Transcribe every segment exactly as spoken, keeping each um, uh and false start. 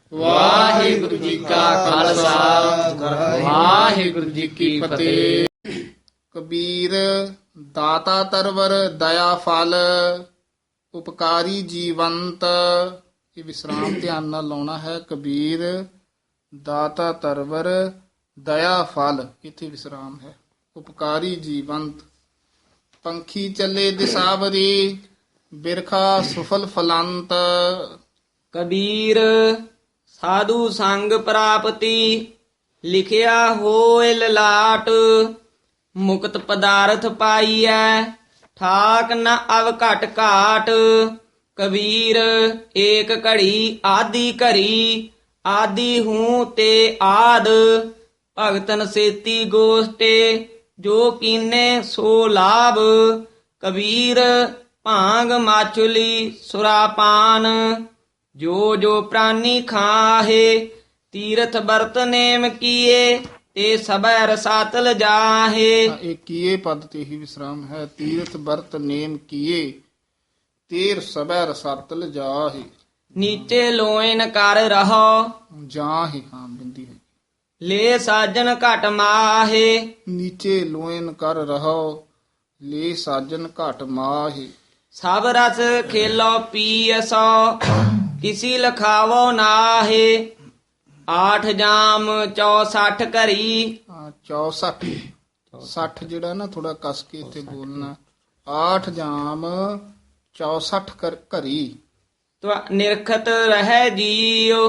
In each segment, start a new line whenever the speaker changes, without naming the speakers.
ਵਾਹਿਗੁਰੂ ਜੀ ਕਾ ਖਾਲਸਾ ਵਾਹਿਗੁਰੂ ਜੀ ਕੀ ਫਤਿਹ। ਕਬੀਰ ਦਾਤਾ ਤਰਵਰ ਦਇਆ ਫਲ ਉਪਕਾਰੀ ਜੀਵੰਤ। ਇਹ ਵਿਸਰਾਮ ਧਿਆਨ ਨਾਲ ਲਾਉਣਾ ਹੈ। ਕਬੀਰ ਦਾਤਾ ਤਰਵਰ ਦਇਆ ਫਲ, ਇੱਥੇ ਵਿਸਰਾਮ ਹੈ। ਉਪਕਾਰੀ ਜੀਵੰਤ। ਪੰਖੀ ਚੱਲੇ ਦਿਸਾਵਰੀ ਬਿਰਖਾ ਸੁਫਲ ਫਲੰਤ।
ਕਬੀਰ ਸਾਧੂ ਸੰਗ ਪ੍ਰਾਪਤੀ ਲਿਖਿਆ ਹੋਏ ਲਲਾਟ। ਮੁਕਤ ਪਦਾਰਥ ਪਾਈਐ ਠਾਕ ਨ ਅਵ ਘਟ ਘਾਟ। ਕਬੀਰ ਏਕ ਘੜੀ ਆਦੀ ਘਰੀ ਆਦੀ ਹੂੰ ਤੇ ਆਦ। ਭਗਤਨ ਸੇਤੀ ਗੋਸ਼ਟੇ ਜੋ ਕੀਨੇ ਸੋ ਲਾਭ। ਕਬੀਰ ਭਾਂਗ ਮਾਚੁਲੀ ਸੁਰਾਪਾਨ ਜੋ ਜੋ ਪ੍ਰਾਨੀ ਖਾਹੇ। ਤੀਰਥ ਬਰਤ ਨੇਮ ਕੀਏ ਤੇ ਸਭੈ ਰਸਾਤਲ ਜਾਹੇ।
ਇਹ ਕੀਏ ਪਦ ਤੇ ਹੀ ਵਿਸਰਾਮ ਹੈ। ਤੀਰਥ ਵਰਤ ਨੇਮ ਕੀਏ ਤੇਰ ਸਭੈ ਰਸਾਤਲ ਜਾਹੇ।
ਨੀਚੇ ਲੋਇਨ ਕਰ ਰਹੋ
ਜਾਹੇ, ਹਾਂ ਬਿੰਦੀ ਹੈ।
ਲੈ ਸਾਜਨ ਘਟ ਮਾਹੇ।
ਨੀਚੇ ਲੋਇਨ ਕਰ ਰਹੋ ਲੈ ਸਾਜਨ ਘਟ ਮਾਹੇ।
ਸਭ ਰਸ ਖੇਲੋ ਪੀਐਸੋ ਕਿਸੀ ਲਖਾਵੋ ਨਾਹੇ। ਆਠ ਜਾਮ ਚੌਸਠ ਘਰੀ।
ਹਾਂ, ਚੌਸਠ ਸੱਠ ਜਿਹੜਾ ਨਾ ਥੋੜਾ ਕਸ ਕੇ ਇੱਥੇ ਬੋਲਣਾ। ਆਠ ਜਾਮ ਚੌਸਠ ਕਰ ਘਰੀ।
ਤਵਾ ਨਿਰਖਤ ਰਹਿ ਜੀਓ।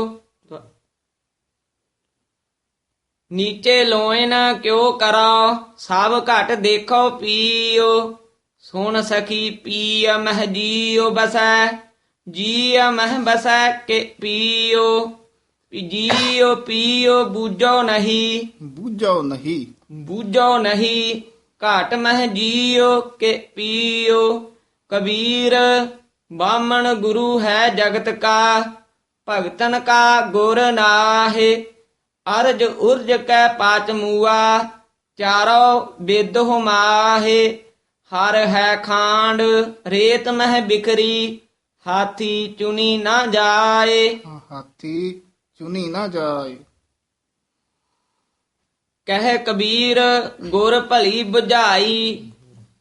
ਨੀਚੇ ਲੋਇਨ ਕਿਉ ਕਰੋ ਸਭ ਘਟ ਦੇਖੋ ਪੀਓ। ਸੁਣ ਸਖੀ ਪੀਅ ਮਹਿ ਜੀਓ ਬਸੈ ਜੀਅ ਮਹਿ ਬਸੈ ਕੇ ਪੀਓ। ਜੀਓ ਪੀਓ ਬੂਝੋ ਨਹੀਂ
ਬੂਝੋ ਨਹੀਂ।
ਬੂਝੋ ਨਹੀਂ ਘਾਟ ਮਹਿ ਜੀਓ ਕੇ ਪੀਓ। ਕਬੀਰ ਬਾਮਣ ਗੁਰੂ ਹੈ ਜਗਤ ਕਾ ਭਗਤਨ ਕਾ ਗੁਰ ਨਾਹੇ। ਅਰਜ ਉਰਜ ਕੈ ਪਾਚ ਮੂਆ ਚਾਰੋ ਬੇਦੋ ਮਾਹੇ। ਹਰ ਹੈ ਖਾਂਡ ਰੇਤ ਮਹਿ ਬਿਖਰੀ ਹਾਥੀ ਚੁਨੀ ਨਾ ਜਾਏ।
ਹਾਂ, ਹਾਥੀ ਚੁਨੀ ਨਾ ਜਾਏ।
ਕਹਿ ਕਬੀਰ ਗੁਰ ਭਲੀ ਬੁਝਾਈ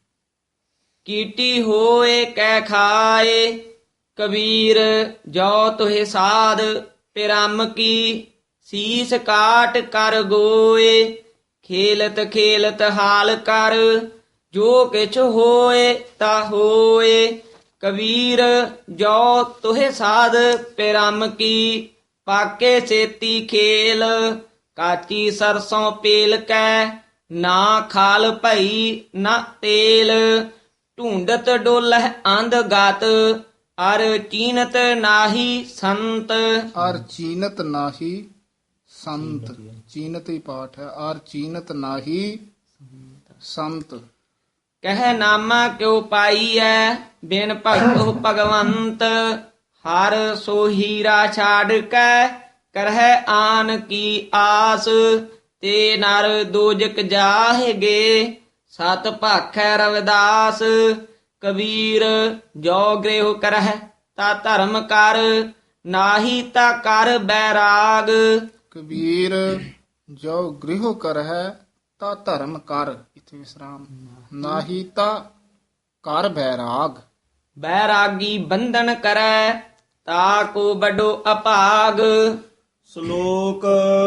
ਕੀਟੀ ਹੋਏ ਕਹਿ ਖਾਏ। ਕਬੀਰ ਜੋ ਤੁਹੇ ਸਾਧ ਪਿਰਮ ਕੀ ਸੀਸ ਕਾਟ ਕਰ ਗੋਏ। ਖੇਲਤ ਖੇਲਤ ਹਾਲ ਕਰ ਜੋ ਕਿਛ ਹੋਏ ਤਾ ਹੋਏ। ਕਬੀਰ ਜੋ ਤੁਹੇ ਸਾਧ ਪਿਰਮ ਕੀ ਪਾਕੇ ਸੇਤੀ ਖੇਲ। ਕਾਚੀ ਸਰਸੋਂ ਪੇਲ ਕੈ ਨਾ ਖਾਲ ਭਈ ਨਾ ਤੇਲ। ਢੂੰਡਤ ਡੋਲਹਿ ਅੰਧ ਗਤ ਅਰ ਚੀਨਤ ਨਾਹੀ ਸੰਤ।
ਅਰ ਚੀਨਤ ਨਾਹੀ ਸੰਤ। ਚੀਨਤ ਹੀ ਪਾਠ ਹੈ। ਅਰ ਚੀਨਤ ਨਾਹੀ ਸੰਤ।
ਕਹਿ ਨਾਮਾ ਕਿਉ ਪਾਈਐ ਬਿਨ ਭਗਤੋ ਭਗਵੰਤ। ਹਰ ਸੋ ਹੀਰਾ ਛਾੜ ਕੈ ਕਰਹਿ ਆਨ ਕੀ ਆਸ। ਤੇ ਨਰ ਦੋਜਕ ਜਾਹੇਗੇ ਸਤ ਭਾਖੈ ਰਵਿਦਾਸ। ਕਬੀਰ ਜੋ ਗ੍ਰਹਿ ਕਰਹਿ ਤਾ ਧਰਮ ਕਰ ਨਾਹੀ ਤਾ ਕਰ ਬੈਰਾਗ।
ਕਬੀਰ ਜੋ ਗ੍ਰਹਿ ਕਰਹਿ ਤਾ ਧਰਮ ਕਰ, ਇੱਥੇ ਵਿਸਰਾਮ। ਨਾਹੀ ਤਾ ਕਰ ਬੈਰਾਗ।
ਬੈਰਾਗੀ ਬੰਧਨ ਕਰੈ ਤਾ ਕੋ ਬਡੋ ਅਭਾਗ।
ਸ਼ਲੋਕ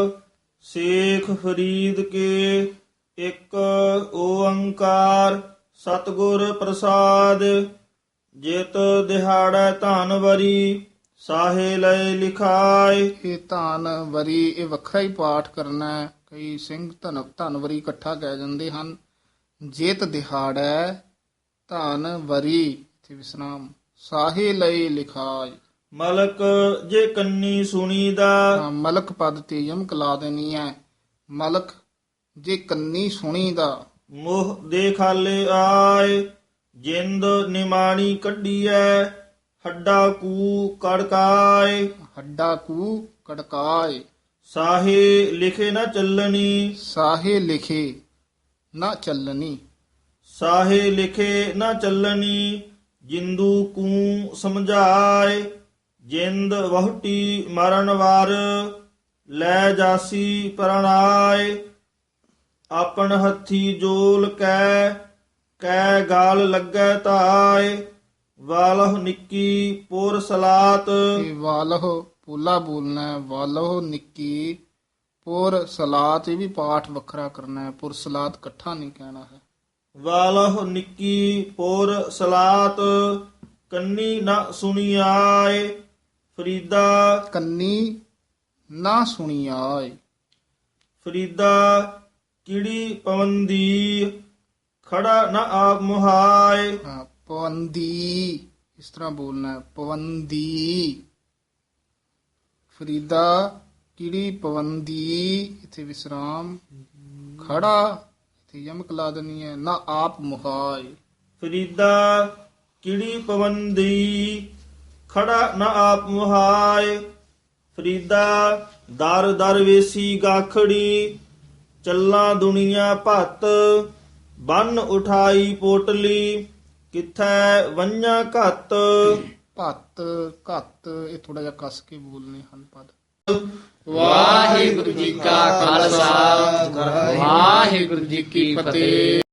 ਸੇਖ ਫਰੀਦ ਕੇ ਇੱਕ ਓੰਕਾਰ ਸਤਿਗੁਰ ਪ੍ਰਸਾਦ। ਜਿਤ ਦਿਹਾੜੈ ਧਨ ਵਰੀ ਸਾਹੇ ਲਏ ਲਿਖਾਏ।
ਇਹ ਧਨ ਵਰੀ ਇਹ ਵੱਖਰਾ ਹੀ ਪਾਠ ਕਰਨਾ ਹੈ। ਕਈ ਸਿੰਘ ਧਨ ਧਨਵਰੀ ਇਕੱਠਾ ਕਹਿ ਜਾਂਦੇ ਹਨ। ਜੇਤ ਦਿਹਾੜੈ ਧਨ ਵਰੀ, ਇੱਥੇ ਵਿਸਰਾਮ। ਸਾਹੇ ਲਈ ਲਿਖਾਏ।
ਮਲਕ ਜੇ ਕੰਨੀ ਸੁਣੀਦਾ।
ਹਾਂ, ਮਲਕ ਪਦ ਤੇ ਯਮਕ ਲਾ ਦੇਣੀ ਹੈ। ਮਲਕ ਜੇ ਕੰਨੀ ਸੁਣੀ ਦਾ।
ਮੋਹ ਦੇ ਖਾਲੇ ਆਏ ਜਿੰਦ ਨਿਮਾਣੀ ਕੱਢੀਐ। ਹੱਡਾ ਕੂ ਕੜਕਾਏ।
ਹੱਡਾ ਕੂ ਕੜਕਾਏ।
ਸਾਹੇ ਲਿਖੇ ਨਾ ਚੱਲਣੀ।
ਸਾਹੇ ਲਿਖੇ ਨਾ ਚੱਲਣੀ।
ਸਾਹੇ ਲਿਖੇ ਨਾ ਚੱਲਣੀ ਜਿੰਦੂ ਕੂ ਸਮਝਾਏ। ਜਿੰਦ ਵਹੁਟੀ ਮਰਨ ਵਾਰ ਲੈ ਜਾਸੀ ਪ੍ਰਣਾਏ ਆਪਨ ਹੱਥੀ ਜੋਲ ਕੈ ਕੈ ਗਾਲ ਲੱਗੈ ਧਾਏ ਵਾਲਹ ਨਿੱਕੀ ਪੁਰ ਸਲਾਤ
ਇਹ ਵਾਲਹ ਪੋਲਾ ਬੋਲਣਾ ਹੈ। ਵਾਲਹ ਨਿੱਕੀ ਪੁਰ ਸਲਾਤ, ਇਹ ਵੀ ਪਾਠ ਵੱਖਰਾ ਕਰਨਾ ਹੈ। ਪੁਰ ਸਲਾਤ ਇਕੱਠਾ ਨਹੀਂ ਕਹਿਣਾ ਹੈ।
ਵਾਲਹ ਨਿੱਕੀ ਪੁਰ ਸਲਾਤ ਕੰਨੀ ਨਾ ਸੁਣੀਆਏ ਫਰੀਦਾ
ਕੰਨੀ ਨਾ ਸੁਣੀ ਆਏ।
ਫਰੀਦਾ ਕਿੜੀ ਪਵੰਦੀ ਖੜਾ ਨਾ ਆਪ ਮੁਹਾਏ
ਹਾਂ, ਪਵੰਦੀ ਇਸ ਤਰ੍ਹਾਂ ਬੋਲਣਾ ਹੈ। ਪਵੰਦੀ ਫਰੀਦਾ ਕਿਹੜੀ ਪਵੰਦੀ, ਇਥੇ ਵਿਸਰਾਮ, ਖੜਾ ਇਥੇ ਯਮਕ ਲਾ ਦੇਣੀ ਹੈ। ਨਾ ਆਪ ਮੁਹਾਏ।
ਫਰੀਦਾ ਕਿੜੀ ਪਵੰਦੀ ਖੜਾ ਨਾ ਆਪ ਮੁਹਾਏ ਫਰੀਦਾ ਦਰ ਦਰ ਵੇਸੀ ਗਾਖੜੀ ਚੱਲਾਂ ਦੁਨੀਆ ਭੱਤ ਬੰਨ ਉਠਾਈ ਪੋਟਲੀ ਕਿਥੈ ਵੰਝਾਂ ਘੱਤ
ਭੱਤ ਘੱਤ, ਇਹ ਥੋੜਾ ਜਿਹਾ ਕੱਸ ਕੇ ਬੋਲਨੇ ਹਨ ਪਦ।
ਵਾਹਿਗੁਰੂ ਜੀ ਕਾ ਖਾਲਸਾ ਵਾਹਿਗੁਰੂ ਜੀ ਕੀ ਫਤਿਹ।